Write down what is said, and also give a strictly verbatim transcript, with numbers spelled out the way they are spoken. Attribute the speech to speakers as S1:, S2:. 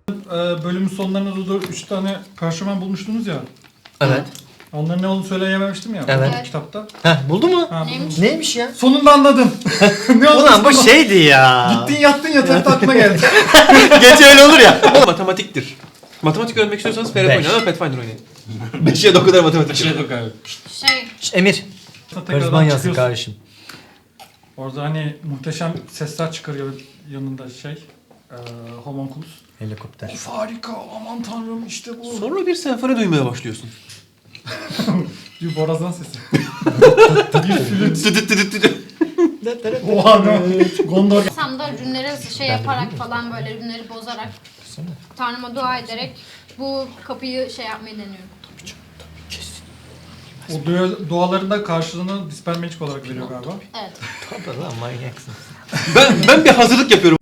S1: Ee, bölümün sonlarında da üç tane parşömen bulmuştunuz ya.
S2: Evet.
S1: Onların ne olduğunu söyleyememiştim ya.
S2: Evet.
S1: bu Kitapta.
S2: Heh, buldu mu?
S1: Ha,
S3: Neymiş?
S2: Neymiş ya?
S1: sonunda anladım. ne oldu?
S2: Ulan bu şeydi ya.
S1: Gittin yattın yatakta aklına geldi.
S2: Gece öyle olur ya.
S4: Matematiktir. Matematik öğrenmek istiyorsanız Ferhat
S2: Beş.
S4: oynayın ama Pathfinder oynayın. Beşe de o kadar matematik.
S5: Şey yok abi.
S3: Şey,
S2: Şş, Emir.
S1: Tekrardan
S2: Karizman yazsın
S1: çıkıyorsun.
S2: kardeşim.
S1: Orada hani muhteşem sesler çıkarıyor yanında şey. Ee, homunculus.
S2: Helikopter.
S1: Of harika aman tanrım işte bu.
S4: Sonra bir senfoni duymaya başlıyorsun.
S1: Bir borazan sesi.
S4: Dıdıt dıdıt dıdıt.
S1: Oha ne? Gondor.
S3: Sam'da rünleri şey yaparak falan böyle rünleri bozarak Tanrıma dua ederek bu kapıyı şey yapmayı deniyorum.
S1: O dua- dualarında karşılığını Dispel Magic olarak veriyor galiba.
S3: Evet.
S2: Tabii lan manyaksın.
S4: Ben, ben bir hazırlık yapıyorum.